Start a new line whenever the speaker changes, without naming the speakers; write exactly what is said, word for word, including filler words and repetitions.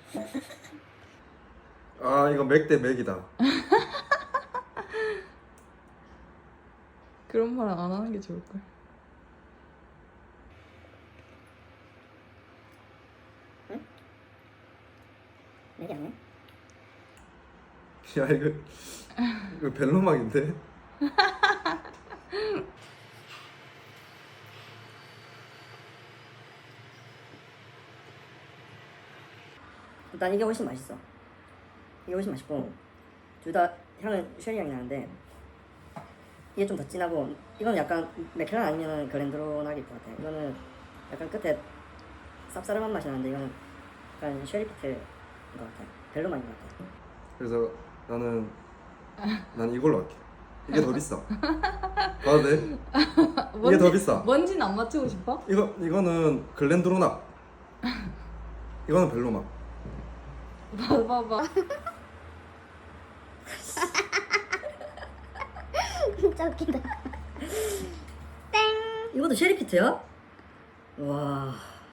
아 이거 맥 대 맥이다.
그런 말은 안 하는 게 좋을걸.
응? 맥이 아니야?
야 이거 이거 벨로막인데?
일단 이게 훨씬 맛있어. 이게 훨씬 맛있고 둘 다 향은 쉐리 향이 나는데 이게 좀 더 진하고 이건 약간 맥켈란 아니면 글렌드로나일 것 같아. 이거는 약간 끝에 쌉싸름한 맛이 나는데 이거는 약간 쉐리 피트인 것 같아. 벨로만인 것 같아.
그래서 나는 난 이걸로 할게. 이게 더 비싸. 봐도 돼? 이게 더 비싸.
뭔지는 안 맞추고 싶어?
이거 이거는 글렌드로나. 이거는 벨로막.
봐봐봐.
진짜 웃긴다.
이것도 쉐리 피트야? 와.